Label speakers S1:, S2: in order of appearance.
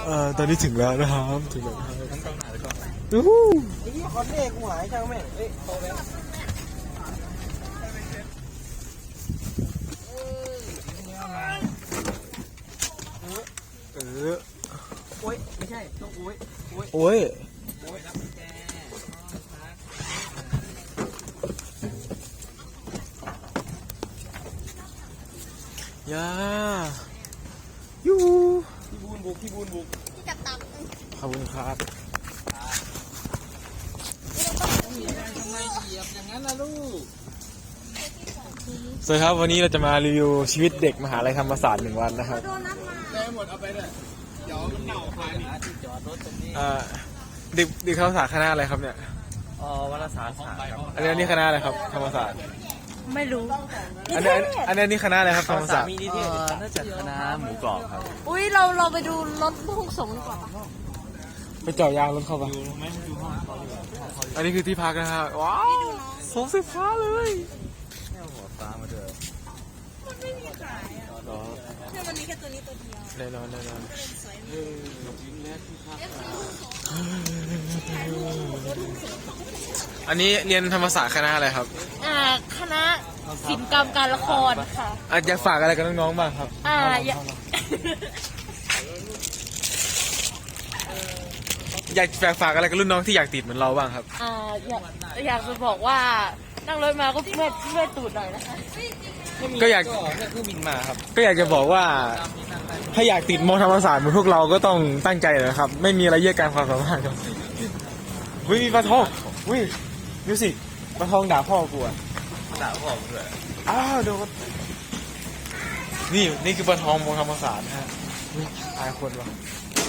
S1: ตอนนี้ถึงแล้วนะครับถึงแล้วครับไอ้ที่คอนเน่กูหายช่างแม่งเอ้ยโตแล้วโอ้ยไม่ใช่ต้องโอ้ยโอ้ยรับแกยายูพี่บูนบุกพี่จับตังขอบคุณครับทำไมเหยียบอย่างนั้นล่ะลูกสวัสดีครับวันนี้เราจะมารีวิวชีวิตเด็กมหาลัยธรรมศาสตร์1 วันนะครับได้หมดเอาไปเลยเดี๋ยวมันเน่าคายที่จอดรถตรงนี้เด็กธรรมศาสตร์คณะอะไรครับเนี่ยวารสารศาสตร์อันนี้คณะอะไรครับธรรมศาสตร์
S2: ไม่รู้
S1: อันนี้คณะอะไรครับธรรมศาสตร์
S3: น่าจะคณะหมูกรอบครับ
S2: อุ้ยเราไปดูรถพุ่งสงดีกว่า
S1: ไปเจาะยางรถเข้าไปอันนี้คือที่พักนะฮะว้าวสมสิบฟ้าเลย
S3: หัวฟ้ามาเถอะ
S2: มันไม่มีขายอ่ะแค่มันมีแค่ตัวนี้ตัวเดียว
S1: แน่นอนอันนี้เรียนธรรมศาสตร์คณะอะไรครับ
S2: คณะศิลปกรรมการละครค่ะ
S1: อยากฝากอะไรกับน้องๆบ้างครับอยากฝากอะไรกับรุ่นน้องที่อยากติดเหมือนเราบ้างครับ
S2: อยากจะบอกว่านั่งรถมาก็เพื่อตูดหน่อยนะคะ
S1: ก็อยาก
S3: เครื่องบินมาครับ
S1: ก็อยากจะบอกว่าถ้าอยากติดมอธรรมศาสตร์เหมือนพวกเราก็ต้องตั้งใจนะครับไม่มีอะไรแยกการความสามารถครับวิมีปลาทองวิมิวสิกปลาทองด่าพ่อกูอ่ะ
S3: ด่าพ่อเลย
S1: โดนนี่คือปลาทองมอธรรมศาสตร์ฮะตายคนวะ